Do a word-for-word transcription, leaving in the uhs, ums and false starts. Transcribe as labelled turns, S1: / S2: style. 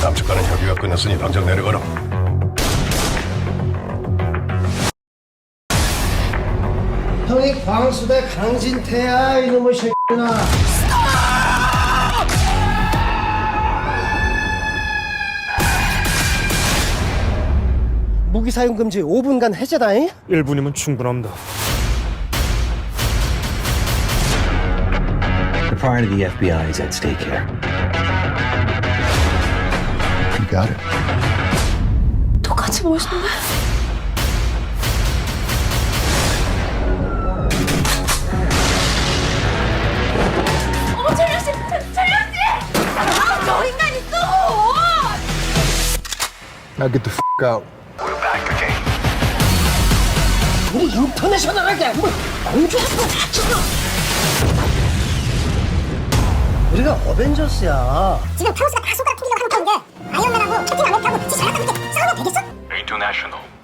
S1: 남측과는 협의가 끝났으니 당장 내려가라.
S2: 형이 광수대 강진태야 이놈의 새끼나. 무기 사용 금지 오 분간 해제다잉.
S3: 일 분이면 충분합니다.
S4: The pride of the F B I is at stake here.
S1: You got it.
S5: 똑같이 멋있네. 어머 철영 씨, 철영 씨! 아, 저 인간 있어!
S1: Now get the f*** out.
S2: 우리 인터내셔널하게 뭐 공주하고 같이가. 우리가 어벤져스야.
S6: 지금 타우스가 다 손가락 튕기려고 하는 건데 아이언맨하고 캡틴 아메리카하고 지 잘났다 그렇게 싸우면 되겠어?
S7: International.